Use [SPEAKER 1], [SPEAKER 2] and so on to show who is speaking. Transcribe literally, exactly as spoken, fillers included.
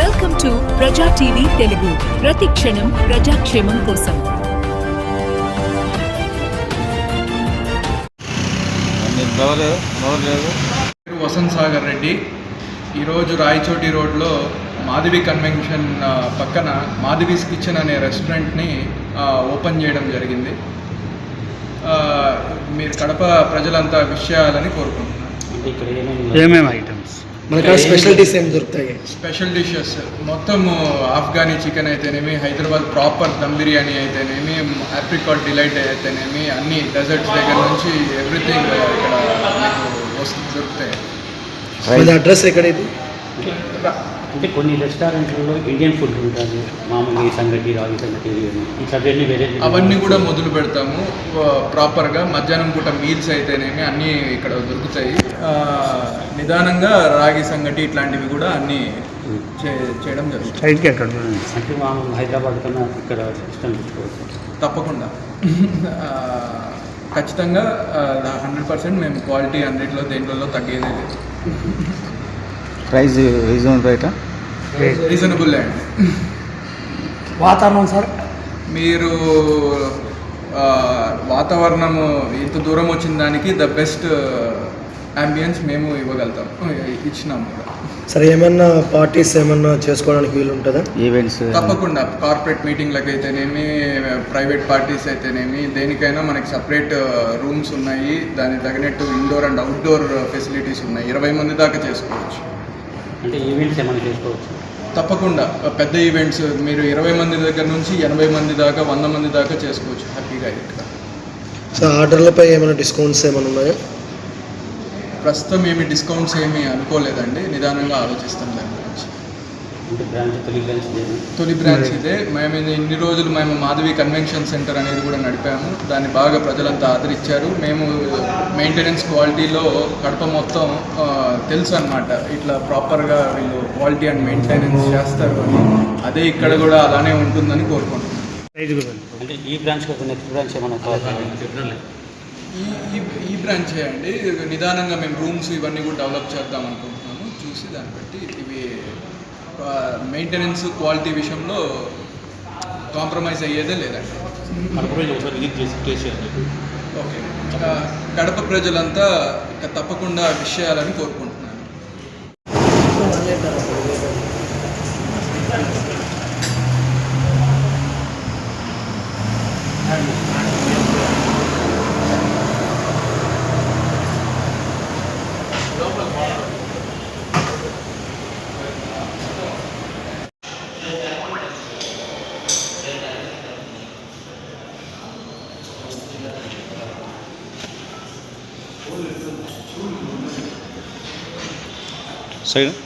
[SPEAKER 1] Welcome to Praja TV Telugu, ప్రతి క్షణం ప్రజాక్షేమం కోసం.
[SPEAKER 2] వసంత్ సాగర్ రెడ్డి. ఈరోజు రాయచోటి రోడ్లో మాధవి కన్వెన్షన్ పక్కన మాధవీస్ కిచెన్ అనే రెస్టారెంట్ని ఓపెన్ చేయడం జరిగింది. మీరు కడప ప్రజలంతా విష్ చేయాలని కోరుకుంటున్నాను.
[SPEAKER 3] ఏమేమి ఐటమ్స్
[SPEAKER 4] మనకి స్పెషల్ డిష్ ఏం దొరుకుతాయి?
[SPEAKER 2] స్పెషల్ డిషెస్ మొత్తం ఆఫ్ఘనీ చికెన్ అయితేనేమి, హైదరాబాద్ ప్రాపర్ దమ్ బిర్యానీ అయితేనేమి, ఆప్రికాట్ డిలైట్ అయితేనేమి, అన్ని డెజర్ట్స్ దగ్గర నుంచి ఎవ్రీథింగ్ ఇక్కడ మీకు వస్తు దొరుకుతాయి.
[SPEAKER 4] అడ్రస్ ఎక్కడ ఇది?
[SPEAKER 3] అంటే కొన్ని రెస్టారెంట్లలో ఇండియన్ ఫుడ్ ఉంటుంది, మామూలు ఈ సంగటి, రాగి సంగటి, ఇట్లా వేరే
[SPEAKER 2] అవన్నీ కూడా మొదలు పెడతాము. ప్రాపర్గా మధ్యాహ్నం పూట మీల్స్ అయితేనేమి అన్నీ ఇక్కడ దొరుకుతాయి. నిదానంగా రాగి సంగటి ఇట్లాంటివి కూడా అన్నీ చేయడం జరుగుతుంది.
[SPEAKER 3] అంటే మామూలు హైదరాబాద్ కన్నా ఇక్కడ సిస్టమ్ తెచ్చుకోవచ్చు.
[SPEAKER 2] తప్పకుండా ఖచ్చితంగా హండ్రెడ్ పర్సెంట్ మేము క్వాలిటీ అన్నింటిలో దేంట్లో తగ్గేదే లేదు.
[SPEAKER 5] Price reasonable రేటా?
[SPEAKER 2] రీజనబుల్ అండి.
[SPEAKER 4] వాతావరణం సార్,
[SPEAKER 2] మీరు వాతావరణము ఇంత దూరం వచ్చిన దానికి ద బెస్ట్ అంబియన్స్ మేము ఇవ్వగలుగుతాం, ఇచ్చినాము కూడా.
[SPEAKER 4] సరే, ఏమన్నా పార్టీస్ ఏమన్నా చేసుకోవడానికి వీలు ఉంటుందా?
[SPEAKER 5] ఈవెంట్స్
[SPEAKER 2] తప్పకుండా కార్పొరేట్ మీటింగ్లకు అయితేనేమి, ప్రైవేట్ పార్టీస్ అయితేనేమి, దేనికైనా మనకి సపరేట్ రూమ్స్ ఉన్నాయి. దానికి తగినట్టు ఇండోర్ అండ్ అవుట్డోర్ ఫెసిలిటీస్ ఉన్నాయి. ఇరవై మంది దాకా చేసుకోవచ్చు.
[SPEAKER 3] అంటే ఈవెంట్స్ ఏమైనా చేసుకోవచ్చు?
[SPEAKER 2] తప్పకుండా పెద్ద ఈవెంట్స్ మీరు ఇరవై మంది దగ్గర నుంచి ఎనభై మంది దాకా, వంద మంది దాకా చేసుకోవచ్చు హ్యాపీగా ఇక్కడ.
[SPEAKER 4] సో ఆర్డర్లపై ఏమైనా డిస్కౌంట్స్ ఏమైనా ఉన్నాయా?
[SPEAKER 2] ప్రస్తుతం ఏమి డిస్కౌంట్స్ ఏమీ అనుకోలేదండి, నిదానంగా ఆలోచిస్తాం దాని గురించి. తొలి బ్రాంచ్ ఇదే. మేము ఇన్ని రోజులు మేము మాధవి కన్వెన్షన్ సెంటర్ అనేది కూడా నడిపాము. దాన్ని బాగా ప్రజలంతా ఆదరించారు. మేము మెయింటెనెన్స్ క్వాలిటీలో కడప మొత్తం తెలుసు అన్నమాట, ఇట్లా ప్రాపర్గా వీళ్ళు క్వాలిటీ అండ్ మెయింటెనెన్స్ చేస్తారు అని. అదే ఇక్కడ కూడా అలానే ఉంటుందని కోరుకుంటున్నాను.
[SPEAKER 3] అంటే ఈ బ్రాంచ్ నెక్స్ట్ బ్రాంచ్ ఏమైనా
[SPEAKER 2] ఈ ఈ బ్రాంచే అండి. నిదానంగా మేము రూమ్స్ ఇవన్నీ కూడా డెవలప్ చేద్దాం అనుకుంటున్నాము. చూసి దాన్ని బట్టి ఇవి మెయింటెనెన్స్ క్వాలిటీ విషయంలో కాంప్రమైజ్ అయ్యేదే లేదండి. ఓకే, కడప ప్రజలంతా తప్పకుండా విషయాలని కోరుకుంటున్నాను.
[SPEAKER 5] సైడ్